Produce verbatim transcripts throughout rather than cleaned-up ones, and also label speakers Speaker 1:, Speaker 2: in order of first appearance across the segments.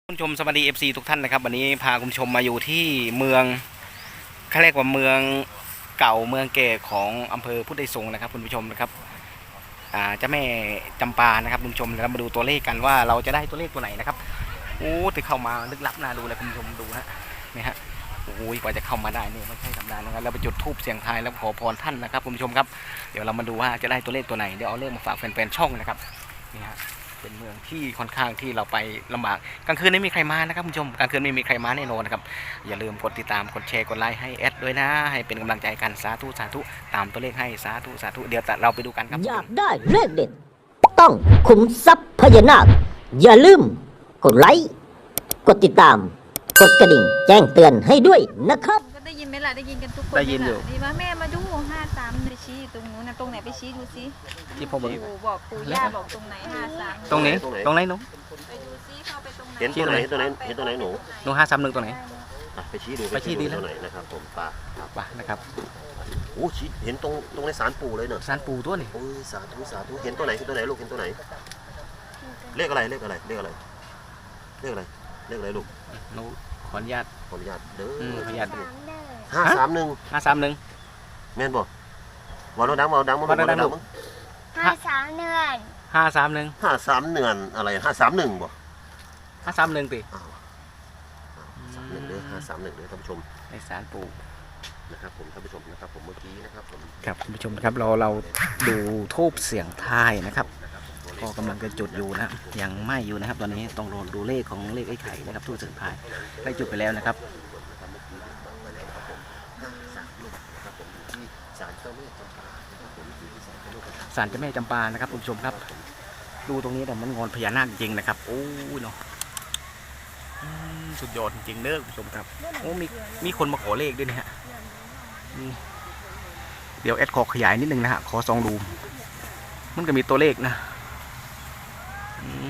Speaker 1: คุณผู้ชมสวัสดี เอฟ ซี ทุกท่านนะครับวันนี้พาคุณผู้ชมมาอยู่ที่เมืองเขาเรียกว่าเมืองเก่าเมืองแก่ของอำเภอพุทธไทยสงฆ์นะครับคุณผู้ชมนะครับอ่าเจ้าแม่จำปานะครับคุณผู้ชมเรามาดูตัวเลขกันว่าเราจะได้ตัวเลขตัวไหนนะครับโอ้ถึงเข้ามาลึกลับน่าดูเลยคุณผู้ชมดูนะนี่ฮะโอ้ยกว่าจะเข้ามาได้นี่ไม่ใช่ธรรมดานะครับเราไปจุดธูปเสียงทายแล้วขอพรท่านนะครับคุณผู้ชมครับเดี๋ยวเรามาดูว่าจะได้ตัวเลขตัวไหนเดี๋ยวเอาเลขมาฝากแฟนๆช่องนะครับนี่ฮะเป็นเมืองที่ค่อนข้างที่เราไปลำบากกลางคืนไม่มีใครมานะครับคุณผู้ชมกลางคืนไม่มีใครมาแน่นอนนะครับอย่าลืมกดติดตามกดแชร์กดไลค์ให้แอดด้วยนะให้เป็นกำลังใจกันสาธุสาธุตามตัวเลขให้สาธุสาธุเดี๋ยวเราไปดูกันครับ
Speaker 2: อยากได้เลขเด็ดต้องขุมทรัพย์พญานาคอย่าลืมกดไลค์กดติดตามกดกระดิ่งแจ้งเตือนให้ด้วยนะครับ
Speaker 3: ก็ได้ยินไหมล่ะได้ยินกันทุกคน
Speaker 1: ได้ยินอยู่
Speaker 3: นี่ว่าแม่มาดูห้าสามไปชี้ตรงนู้นนะตรงไหนไปชี้ดูซิ
Speaker 1: ที่ผมบอก
Speaker 3: ปู่บอกปู่ย่าบอกตรงไหนห้าสาม
Speaker 1: ตรงไหนตรงไหนหนู
Speaker 3: ไปดูซิเข้าไปตรงไหน
Speaker 4: เห็นตัวไหนเห็นตัวไหนเห็นตัวไหนหนู
Speaker 1: หนูห้าสามหนึ่งตรงไหน
Speaker 4: อ่ะไปชี้ดู
Speaker 1: ไปชี้ดีแล้ว
Speaker 4: ตัวไหนนะครับผมปลา
Speaker 1: ป่ะนะครับ
Speaker 4: โอ้ชี้เห็นตรงตรงในศาลปู่เลยเนอะ
Speaker 1: สารปูตัวนี่
Speaker 4: โอ้ยสาธุสาธุเห็นตัวไหนเห็นตัวไหนลูกเห็นตัวไหนเลขอะไรเลขอะไรเลขอะไรเลขอะไรเลขอะไรลูก
Speaker 1: หนูขออนุญาต
Speaker 4: ขออนุญาตเด้
Speaker 1: อืม
Speaker 4: อ
Speaker 1: ขออนุญาต
Speaker 4: ห้าสามหนึ่ง
Speaker 1: ห้าสามหนึ่ง
Speaker 4: แม่นบ่วอลดังวอลดังมั้ง
Speaker 1: วอลดัง
Speaker 4: มั้ง
Speaker 5: ห้าสามเดือน
Speaker 1: ห้าสามหนึ่ง
Speaker 4: ห้าสามเนือนอะไรห้าสามหนึ่งบ่
Speaker 1: ห้าสามหนึ่งตี
Speaker 4: อ้าวสามหนึ่งเด้อห้าสามหนึ่งเด้อท่านผู้ชม
Speaker 1: ในสารปู
Speaker 4: นะครับผมท่านผู้ชมนะครับผมเมื่อกี้นะครับผม
Speaker 1: ครับคุณผู้ชมครับเราเราดูทูบเสียงทายนะครับก็กำลังจะจุดอยู่นะยังไม่อยู่นะครับ ตอนนี้ต้องรอดูเลขของเลขไอ้ไข่นะครับทูบเสียงทายได้จุดไปแล้วนะครับ
Speaker 4: ศาลเจ้าแม่จำปานะครับผมอยู่ที่ศาลเจ้าแม่จำปา
Speaker 1: ศาลเจ้าแม่จำปานะครับคุณผู้ชมครับ ดูตรงนี้แต่มันงอนพญานาคจริงนะครับโอ้ยเนาะอืมสุดยอดจริงเด้อคุณผู้ชมครับโอ้มีมีคนมาขอเลขด้วยนะฮะอืมเดี๋ยวแอดขอขยายนิดนึงนะฮะขอซองดูมันก็มีตัวเลขนะอืม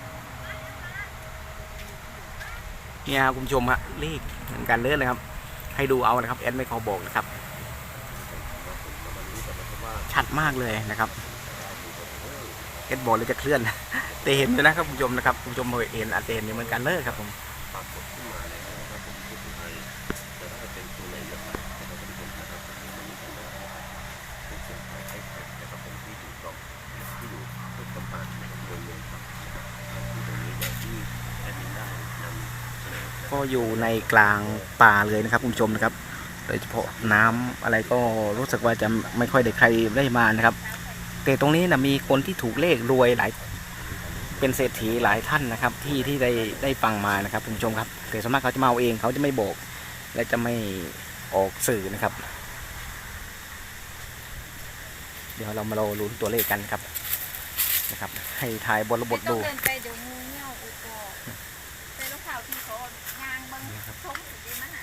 Speaker 1: เนี่ยคุณผู้ชมฮะเลขเหมือนกันเลยนะครับให้ดูเอานะครับแอดไม่ขอบอกนะครับชัดมากเลยนะครับเอสบอกเลยจะเคลื่อนแต่เห็นอยู่นะครับคุณผู้ชมนะครับคุณผู้ชมเห็นอาจจะเห็นเหมือนกันเลยครับผม
Speaker 4: ปรากฏขึ้นมาแล้วนะครับผมผู้ที่ให้จะได้เป็นตัวไหนอย่างไรนะครับท่านผู้ชมนะครับเป็นเสียงไทยไทยนะครับผมที่อยู่ตรงที่อยู่ทุกกำปั้นนะครับโดยรวมครับที่ตรงนี้อย่างที่แอดมินได้นำเสนอ
Speaker 1: ก็อยู่ในกลางป่าเลยนะครับคุณผู้ชมนะครับโดยเฉพาะน้ำอะไรก็รู้สึกว่าจะไม่ค่อยได้ใครได้มานะครับแต่ตรงนี้นะมีคนที่ถูกเลขรวยหลายเป็นเศรษฐีหลายท่านนะครับ ที่ที่ได้ได้ฟังมานะครับคุณผู้ชมครับแต่ส่วนมากเขาจะมาเอาเองเขาจะไม่บอกและจะไม่ออกสื่อนะครับ เดี๋ยวเรามาเราลุ้นตัวเลขกันครับนะครับให้ทายบทบทดู
Speaker 3: ไม่ต้องเดินไปเดี๋ยวงูเงี้ยวอุดออกแต่ลูกสาวที่เขายางบังชมสุดดีมันอ่ะ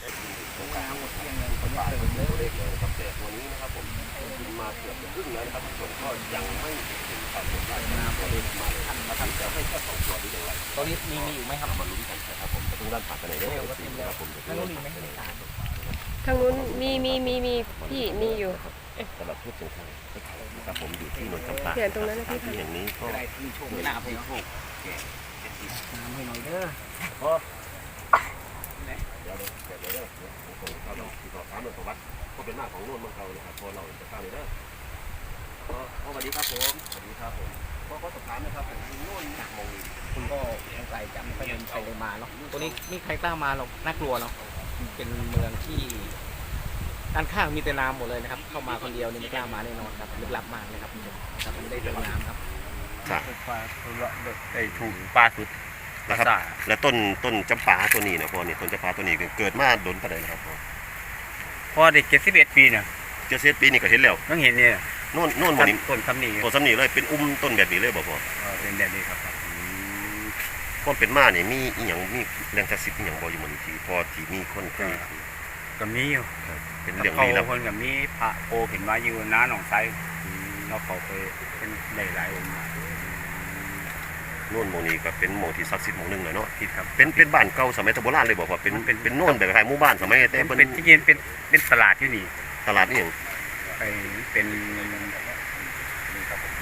Speaker 4: ตัวเลขเลยนะครับแต่ตัวนี้นะครับผมกินมาเกือบจะครึ่งแล้วนะครับส่วนก็ยังไม่ถึงความสนใจนะตัวเลขมาท่านมาท่านจะให้แค่สองตัวนี้อย่างไร
Speaker 1: ตอนนี้มีมีอยู่ไหมครับ
Speaker 4: มาลุ้นกันนะครับผมจะต้องด้านปากกันไหนเด้อนะครับผม
Speaker 1: นั่นก็มีไหม
Speaker 6: ทางนู้นมีมีมีมีพี่มีอยู่
Speaker 4: สำหรับผู้สูงอายุนะครับผมอยู่ที่นนทบุรี
Speaker 6: เดี๋ยวตรงนั้นนะพี่
Speaker 4: ที่แห่งนี้ก็
Speaker 1: อะไรมีโชคมีลาภให้โชคน้ำให้หน่อยเด้อ
Speaker 4: ก็เดี๋ยวเดี๋ยวเดี๋ยวเดี๋ยวผมเขาเราที่เขาถามเรื่องประวัติก็เป็นหน้าของโน่นเมืองเรานะครับพอเราจะเข้าเลยเด้อก็สวัสดีครับผมสวัสดีครับผมก็ก็สอบถามนะครับผมโน่นจากมองนี่
Speaker 1: คุณก็ยังไกลจำไม่เป็นใครเลยมาเนาะตัวนี้มีใครกล้ามาหรอกน่ากลัวเนาะเป็นเมืองที่ด้านข้างมีแต่น้ำหมดเลยนะครับเข้ามาคนเดียวนี่ไม่กล้ามาแน่นอนครับลึกลับมากเลยครับครับไม่ได้เติมน้ำครับ
Speaker 4: ค่ะ
Speaker 7: ไอ้ถูกปลาสุด
Speaker 4: นะครับและต้นต้นจำปาตัวนี้นะพ่อนี่ต้นจำปาตัวนี้เกิดมาโดนปานใดนะครับพ่อ
Speaker 7: พอเด็กเจ็ดสิบเอ็ดปีเนี่ย
Speaker 4: เจ็ดสิบปีนี่ก็เห็นแล้ว
Speaker 7: ต้องเห็นเนี่ย
Speaker 4: โน่นโน่นหมดนี่
Speaker 7: ต้นคำนี้
Speaker 4: ตัวสำนีเลยเป็นอุ้มต้นแบบนี้เลยบ่พ่อ
Speaker 7: เออเป็นแบบนี้ครับ
Speaker 4: ความเป็นมาเนี่ยมีอีหยังมีแรงศักดิ์สิทธิ์อีหยังบ่อยู่หมื้นี้ที่พอที่มีคนเคย
Speaker 7: ก็มีอยู่
Speaker 4: เป็นเรื่อง
Speaker 7: เขา
Speaker 4: ลี้ลับ
Speaker 7: คนกับมีพระโอเห็นมาอยู่น้าหนองไซเราเขาไปเป็นหลายๆองค์
Speaker 4: โน่นหมู่นี้ก็เป็นหมู่ที่ศักดิ์สิทธิ์หมู่หนึงเลยเนาะ
Speaker 7: ที่ครับ
Speaker 4: เป็นเป็นบ้านเก่าสมัยโบราณเลยบ่พ่อเป็นเป็นเป็นโน่นแบบคล้ายหมู่บ้านสมัยแต่
Speaker 7: เป็น
Speaker 4: เพิ่น
Speaker 7: ที่ยืนเป็นเป็นตลาดที่นี่
Speaker 4: ตลาดนี่หยัง
Speaker 7: ไปเป็น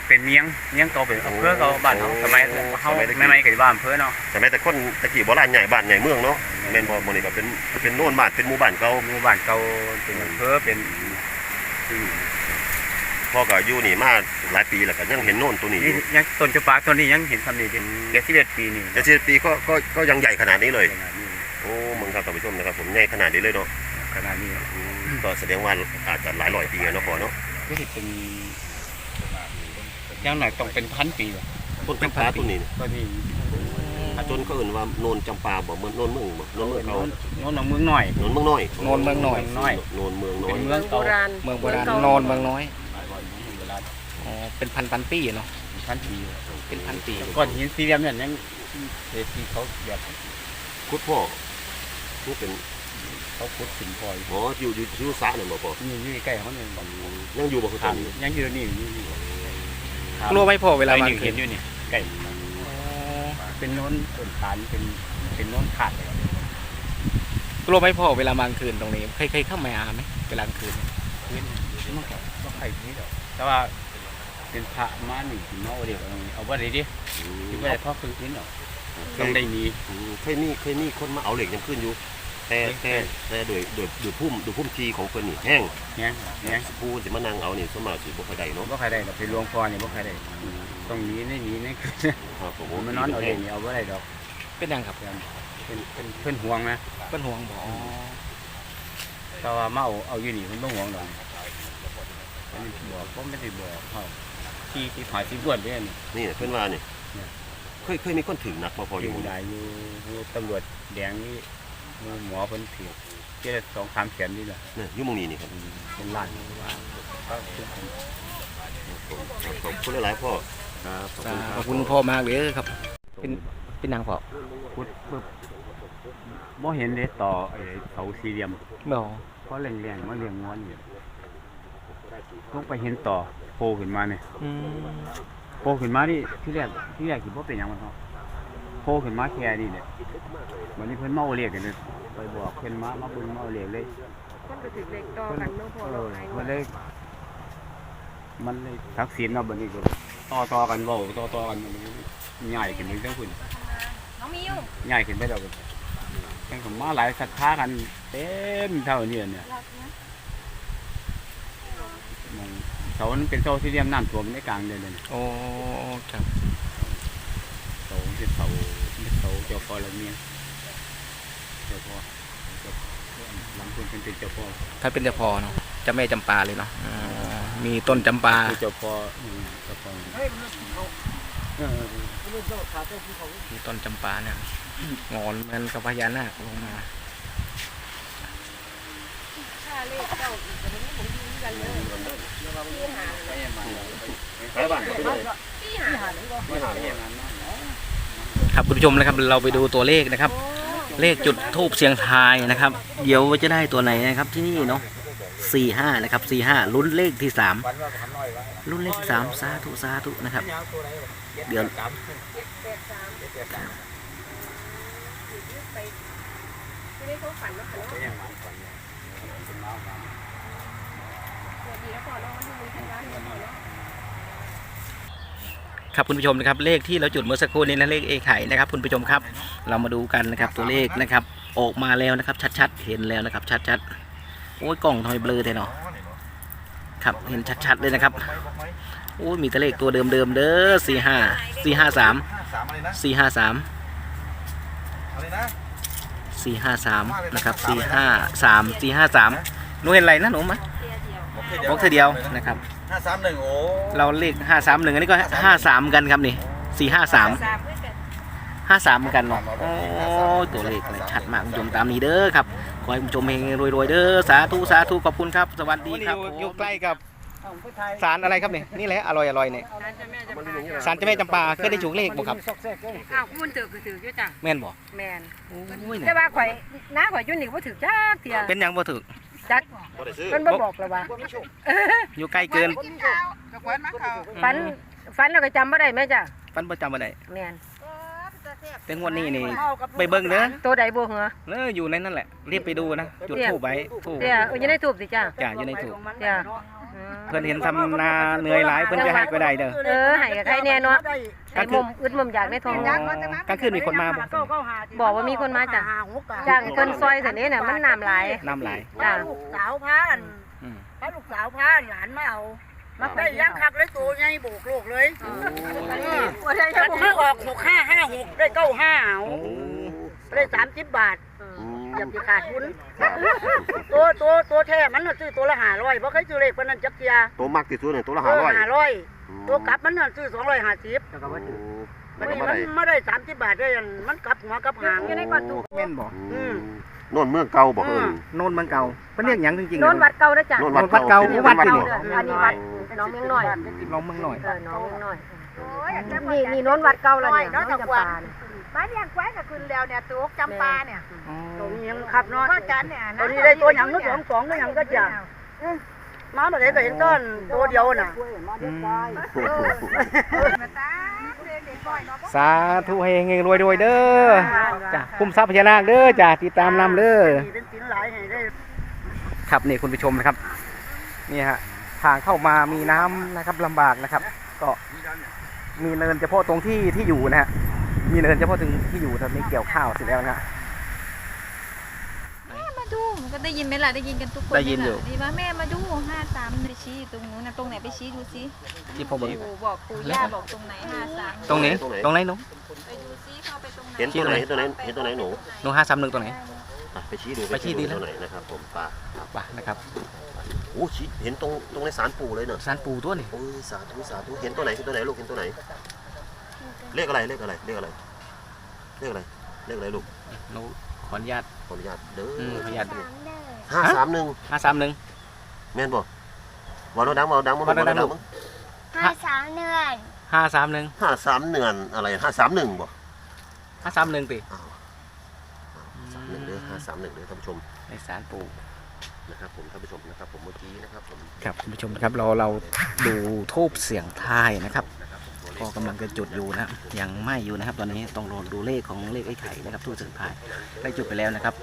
Speaker 7: เป็นเมียงเมียงเก่าเป็นอำเภอเก่าบ้านเขาสมัยเขาไม่ไม่กับบ้านอำเภอเนาะ
Speaker 4: สมัยแต่คนตะกี้โบราณใหญ่บ้านใหญ่เมืองเนาะแม่นบ่มื้อนี้ก็เป็นเป็นโน่นบ้านเป็นหมู่บ้านเก่า
Speaker 7: หมู่บ้านเก่าเป็นอำเภอเป็นที่
Speaker 4: พ่อก็อยู่นี่มาหลายปีแล้วก็ยังเห็นโน่นตัวนี้อ
Speaker 7: นี่
Speaker 4: ยู่
Speaker 7: ยังต้นจำปาต้นนี้ยังเห็นทำดีเป็นเจ็ดสิบเอ็ดปีนี่
Speaker 4: แต่สิบปีก็ก็ก็ยังใหญ่ขนาดนี้เลย
Speaker 7: ขนาดนี้
Speaker 4: โอ้มึงครับท่านผู้ชมนะครับผมใหญ่ขนาดนี้เลยเนาะ
Speaker 7: ขนาดนี้
Speaker 4: อืมก็แสดงว่าอาจจะหลายร้อยปีแล้วเนาะพ่อเนาะ
Speaker 7: ก็จะเป็นยังหน่อยต้องเป็นพันปีว่ะ
Speaker 4: ต้นจำปาต้นนี้นี่
Speaker 7: ต้นนี้
Speaker 4: จนเขาเอื่นว่าโนนจำปาบ่เหมือนโนนเมืองบ่โนนเมืองเขา
Speaker 7: โน้นหนองเมืองหน่อย
Speaker 4: โนนเมืองน้อย
Speaker 1: โนนเมืองหน่อย
Speaker 7: น้อย
Speaker 4: โนนเมืองน้อ
Speaker 7: เป็
Speaker 4: ย
Speaker 7: นเมือง
Speaker 6: โบ
Speaker 7: เก่า
Speaker 6: ราณ
Speaker 1: เมืองโบราณโนนเมืองน้อยอ๋อเป็นพันพันปีเนาะ
Speaker 7: พันปี
Speaker 1: เป็นพันปี
Speaker 7: ก้อนหินสี่เหลี่ยมเนี่ยยังเศษที่เขาแบบ
Speaker 4: คุดพ่อนี่เป็น
Speaker 7: เขาขุดสินพลอย
Speaker 4: อ๋ออยู่อยู่อยู่สระนั่นบ่พ่อ
Speaker 7: นี่นี่ใกล้เขาเนี่ย
Speaker 4: ยังอยู่บ่คือ
Speaker 7: ทา
Speaker 4: ทาง ง
Speaker 7: ยังอยู่นี่นี่นี่
Speaker 1: กลัวไม่พอเวลา
Speaker 7: ไป
Speaker 1: มา
Speaker 7: นี่
Speaker 1: คื
Speaker 7: เห็
Speaker 1: น
Speaker 7: นอยู่นี่ใกล้เป็นโน้นต้นฐานเป็นเป็นโน้นขาดเลย
Speaker 1: กลัวไม่พอเวลามากลางคืนตรงนี้เคยเคยเข้ามาไหมเวลากลางคืน
Speaker 7: พื้นมันก็ก็ใครนี้ดอกแต่ว่าเป็นพระมาหนึ่งถึงเนาเดียวเอาว่าได้ดิที่ว่าได้ทอดคืนคืนหรอกต้องได้มี
Speaker 4: อืมเคยมีเคยมีคนมาเอาเหล็กยังขึ้นอยู่ แต่แต่แต่โดยโดยโดยพุ่มโดยพุ่มทีของเพิ่นนี่แห้ง
Speaker 7: เนี้ยเนี้ย
Speaker 4: ผู้สิมานั่งเอานี่สวนมากสิบ่ค่อยได้เนาะ
Speaker 7: บ่ใครได้ดอกเป็นหลวงพ่อเนี่ยบ่ใครได้ต้องหนีนี่หนีนี่คือ
Speaker 4: ครับผม
Speaker 7: ผมมานอนเอาเองนี่เอาบ่ได้ดอก
Speaker 1: เป็นยังครับ
Speaker 7: เป็นเป็นเพิ่นห่วงนะ
Speaker 1: เป็นห่วงบ่อ๋อ
Speaker 7: แต่ว่ามาเอาเอาอยู่นี่เพิ่นบ่ห่วงดอกอันนี้บอกผมไม่ได้บอกเขาที่ที่ผาที่บวชเนี่ยนี่
Speaker 4: นี่เพิ่นว่านี่เคยเคยมีคนถึงหนักบ่พออ
Speaker 7: อยู่ ยู่ได้อยู่อยู่ตำรวจแดงนี่หมอเพิ่นถือเจ็ดสองสามแสนนี่แหละ
Speaker 4: เนี่ยอยู่หมู่นี้นี่ครับ
Speaker 7: เป็นล้านว่าก็คือ
Speaker 4: ขอบคุณหลายๆพ่อครับขอบคุณ
Speaker 1: ขอบคุณพ่อมากเลยครับ เป็นเป็นนางพ่อ
Speaker 7: พุดปึ๊บบ่เห็นเด้ต่อไอ้เสาสี่เหลี่ยม
Speaker 1: บ่
Speaker 7: เพราะแรงๆมาเลี้ยงงอนอยู่ลงไปเห็นต่อโผล่ขึ้นมาเนี่ย
Speaker 1: อืม
Speaker 7: โผล่ขึ้นมานี่ที่แรกที่แรกคิดว่าเป็นหยังมันเนาะโผล่ขึ้นมาแค่นี้เนี่ยวันนี้เพิ่นเมาเรียกกันเลยไปบอกเพิ่นมามาเบิ่งเมาเรียกเลย
Speaker 6: คนไปถึงเด็กต่อกันน้องพ่อ
Speaker 7: เอ
Speaker 6: เรา
Speaker 7: อ
Speaker 6: หาย
Speaker 7: มันเลยมันเลยทักษิณเนาะบัดนี้ก็ต่อต่อกันเว้าต่อต่อกันใหญ่ขึ้นไปเรื่องพุ่น
Speaker 3: น้องมิว
Speaker 7: ใหญ่ขึ้นไปแล้วก็แข่งกันมาหลายศรัทธากันเต็มเท่านี้เนี่ยมันเสามันเป็นเสาที่เรียมน้ำท่วมในกลางเดือนเลย
Speaker 1: โอ้ครับ
Speaker 7: เสาเป็นเสาเป็นเสาเจ้าพ่อละเมียเจ้าพ่อเจ้าหลังคุณเป็นเจ้าพ่อ
Speaker 1: ถ้าเป็นเจ้าพ่อเนาะเจ้าแม่จำปาเลยเนาะอ๋อมีต้นจำปา
Speaker 7: คือเจ้าพ่ออืมเจ้าพ่อเออ
Speaker 1: มีต้นจำปาเนี่ยงอนเหมันกับพญานาคลงมา
Speaker 6: ค่าเลขเก้าอีกแต่มันไม่ผมยืนกันเลยที่หาเลย
Speaker 4: ไปบ้านก็ไปเลย
Speaker 6: ที่หาเลย
Speaker 4: ไม่หาเลย
Speaker 1: ครับคุณผู้ชมนะครับเราไปดูตัวเลขนะครับ เลขจุดทูบเสียงทายนะครับ เดี๋ยวจะได้ตัวไหนนะครับที่นี่เนาะสี่ห้านะครับสี่ห้าลุ้นเลขที่สามลุ้นเลขที่สามสาธุสาธุนะครับเดี๋ยว
Speaker 6: ไม่ได้เขาฝันแล้วฝันว่าสวัสดีแล้วพ่อน้องมันดูทางร้านพ่อเนาะ
Speaker 1: ครับคุณผู้ชมนะครับเลขที่เราจุดเมื่อสักครู่นี้นะเลขเอไข่นะครับคุณผู้ชมครับ เรามาดูกันนะครับตัวเลขนะครับออกมาแล้วนะครับชัดๆเห็นแล้วนะครับชัดๆโอ้ยกล้องทำไมเบลอเท่เนาะครับเห็นชัดๆเลยนะครับโอ้ยมีแต่เลขตัวเดิมๆเด้อสี่ห้าสี่ห้าสามสี่ห้าสามสี่ห้าสามนะครับสี่ห้าสามสี่ห้าสามหนูเห็นอะไรนะหนูมะบอกเธอเดียวนะครับ
Speaker 8: ห้าสามหนึ่งโอ้
Speaker 1: เราเลขห้าสามหนึ่งอันนี้ก็ห้าสามกันครับนี่สี่ห้าสามห้าสามเหมือนกันเนาะโอ้ตัวเลขเลยชัดมากคุณผู้ชมตามนี้เด้อครับขอให้คุณผู้ชมเฮงรวยๆเด้อสาธุสาธุขอบคุณครับสวัสดีครับอยู่ใกล้กับศาลอะไรครับเนี่ยนี่แหละอร่อยอร่อยเนี่ยศาลเจ้าแม่จำปาเคยได้ถูกเลขบ่ครับ
Speaker 6: อ้าวมันถือก็ถืออยู่จ้ะ
Speaker 1: แม่นบ่
Speaker 6: แมน
Speaker 1: โอ้ย
Speaker 6: แต่ว่าข่อยน้าข่อยอยุ่นนี่ว่าถือจักเทีย
Speaker 1: เป็นหยังบ่ถูก
Speaker 6: จักมันบ่บอกเลยว่า
Speaker 1: อยู่ใกล้เกิน
Speaker 6: ฝันฝันเราก็จำไม่ได้ไหมจ้ะ
Speaker 1: ปันประจำบ่ได้
Speaker 6: แมน
Speaker 1: แต่งวดนี้นี่ไปเบิ่งเด้อ
Speaker 6: ตัวใดบ่เหรอ
Speaker 1: เอออยู่ในนั่นแหละรีบไปดูนะจุดธูปไว้ธูป
Speaker 6: เดี๋ยวอยู่ในทูบสิจ้ะ
Speaker 1: จ้าอยู่ในธูป
Speaker 6: เดี๋ยว
Speaker 1: เพิ่นเห็นทำนาเหนื่อยหลายเพิ่นจะให้ก็ได้เด้อ
Speaker 6: เออให้กับใครแน่เนาะให้มุมอึดมุมอยากในทอง
Speaker 1: อ๋อกลางคืนมีคนมาบ่
Speaker 6: บอกว่ามีคนมาจ้ะจ้างเกินซอยเสร็จนี้เนี่ยมันน้ำไหลาย
Speaker 1: น้ำไหล
Speaker 6: จ้ะ
Speaker 3: ลูกสาวพาน
Speaker 1: อืม
Speaker 3: พาลูกสาวพานหลานมาเอามาได้ย่างคักเลยตัวใหญ่โบกโลกเลยมันให้ออกหกห้าห้าหกได้เก้าห้าเอา
Speaker 1: โอ้
Speaker 3: ได้สามสิบบาท
Speaker 4: อืม
Speaker 3: อย่าไปขาดทุนตัวตัวตัวแท้มันน่ะซื้อตัวละห้าร้อยเพราะเคยซื้อเลขปานนั้นจักเทีย
Speaker 4: ตัวมากที่สุดเนี่ยตัวละ
Speaker 3: เอ
Speaker 4: ห้า
Speaker 3: อ
Speaker 4: ร้อย
Speaker 3: ห้าร้อยตัวกลับมันน่ะซื้อสองร้อยห้าสิบ
Speaker 4: มั
Speaker 3: มัน น
Speaker 4: ก็
Speaker 3: นี่
Speaker 4: ไม่
Speaker 3: มัน
Speaker 4: ได้
Speaker 3: ไม่ได้สามสิบบาทได้อันมันกลับหัวกลับหางอยู่ในก่อนถูก
Speaker 1: แม่นบ่
Speaker 4: อืมโน่นเมืองเก่าบอกเออ
Speaker 1: โน่นเมืองเก่าเพิ่นเรียกหยังจริงๆ
Speaker 6: โนนวัดเก่านะจ้ะ
Speaker 4: โน่น
Speaker 1: โน่นวัดเก่า
Speaker 4: ป็น
Speaker 1: วัด
Speaker 4: วัด
Speaker 1: ที่
Speaker 4: เก่า
Speaker 1: นี่
Speaker 6: อันนี้วัดน้องเมียงน้อย
Speaker 1: ลองเมืองหน่อย
Speaker 6: เออน้องเมียงน้อยนี่นี่โนนวัดเก่าแล้วเนี่ยน้องจำปาเนี่ย
Speaker 3: บ้านยังแคว้กับคืนแล้วเนี่ยตัวจำปาเนี่ย
Speaker 1: อ๋อ
Speaker 3: ตัวนี้ยังขับเนาะพ่อจันเนี่ยตัวนี้ได้ตัวหยังก็สองสองก็หยังก็จะมาแบบนี้ก็เห็นต้นตัวเดียวน่ะ
Speaker 1: อืมสาธุให้เฮงๆรวยๆเด้อจ้ะคุ้มทรัพย์พญานาคเด้อจ้ะติดตามนำเด้อ
Speaker 3: เป็นสินหลายให้ได้
Speaker 1: ครับนี่คุณผู้ชมนะครับนี่ฮะทางเข้ามามีน้ำนะครับลำบากนะครับ ก็มีเนินเฉพาะตรงที่ที่อยู่นะฮะมีเนินเฉพาะตรงที่อยู่ตอนนี้เกี่ยวข้าวเสร็จแล้วนะฮะ
Speaker 8: แม่มาดูมันก็ได้ยินไหมล่ะได้ยินกันทุกคน
Speaker 1: ได้ยินอยู่
Speaker 8: ดีว่าแม่มาดูห้าสามไปชี้ตรงนู้นนะตรงไหนไปชี้ดูสิ
Speaker 1: ที่ผมบอก
Speaker 8: ปู่บอกปู่ย่าบอกตรงไหนห้าสาม
Speaker 1: ตรงนี้ตรงไหนหนู
Speaker 8: ไปดูซิเข้าไปตรงไหน
Speaker 4: เห็นตัวไหนเห็นตัวไหนเห็นตัวไหนหนู
Speaker 1: หนูห้าสามหนึ่งตรงไหน
Speaker 4: อ่ะไปชี้ดู
Speaker 1: ไปชี้ดีแล้ว
Speaker 4: ตัวไหนนะครับผมป่า
Speaker 1: ป่ะนะครับ
Speaker 4: โอ้ชี้เห็นตรงตรงในศาลปู่เลยเนอะ
Speaker 1: สารปูตัวนี่
Speaker 4: โอ้ยสาธุสาธุเห็นตัวไหนเห็นตัวไหนลูกเห็นตัวไหนเลขอะไรเลขอะไรเลขอะไรเลขอะไรเลขอะไรลูก
Speaker 1: หนูขออนุญาต
Speaker 4: ขออนุญาตเด้อ
Speaker 1: อืมขออนุญาต
Speaker 5: สามเด้อ
Speaker 4: ห้าสามหนึ่ง
Speaker 1: ห้าสามหนึ่ง
Speaker 4: แม่นบ่วันเราดังวันเราดังวันเรา
Speaker 1: วันเราดั
Speaker 4: ดั
Speaker 1: ง
Speaker 4: งมั้ง
Speaker 5: ห้าสามเดือน
Speaker 1: ห้าสามหนึ่ง
Speaker 4: ห้าสามเนือนอะไรห้าสามหนึ่งบ่
Speaker 1: ห้าสามหนึ่งติ
Speaker 4: อ้าวสามหนึ่งเด้อห้าสามหนึ่งเด้อท่านผู้ชม
Speaker 1: ในสารปู
Speaker 4: นะครับผมท่านผู้ชมนะครับผมเมื่อกี้นะครับผม
Speaker 1: ครับคุณผู้ชมนะครับเราเราดูทูบเสียงทายนะครับก็กำลังจะจุดอยู่นะยังไม่อยู่นะครับ ตอนนี้ต้องรอดูเลขของเลขไอ้ไข่นะครับทูบเสียงทายได้จุดไปแล้วนะครับ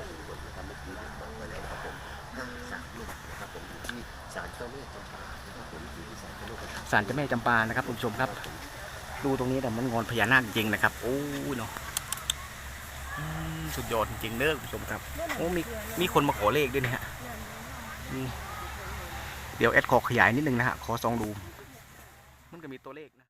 Speaker 4: ศาลเจ้าแม่จำปานะครับผมที่ศาลเจ้าแม่จำปา
Speaker 1: ศาลเจ้าแม่จำปานะครับคุณผู้ชมครับ ดูตรงนี้แต่มันงอนพญานาคจริงๆนะครับโอ้ยเนาะอืมสุดยอดจริงๆเด้อคุณผู้ชมครับโอ้มีมีคนมาขอเลขด้วยนะฮะนี่เดี๋ยวแอดขอขยายนิดนึงนะฮะขอซองดูมันก็มีตัวเลขนะ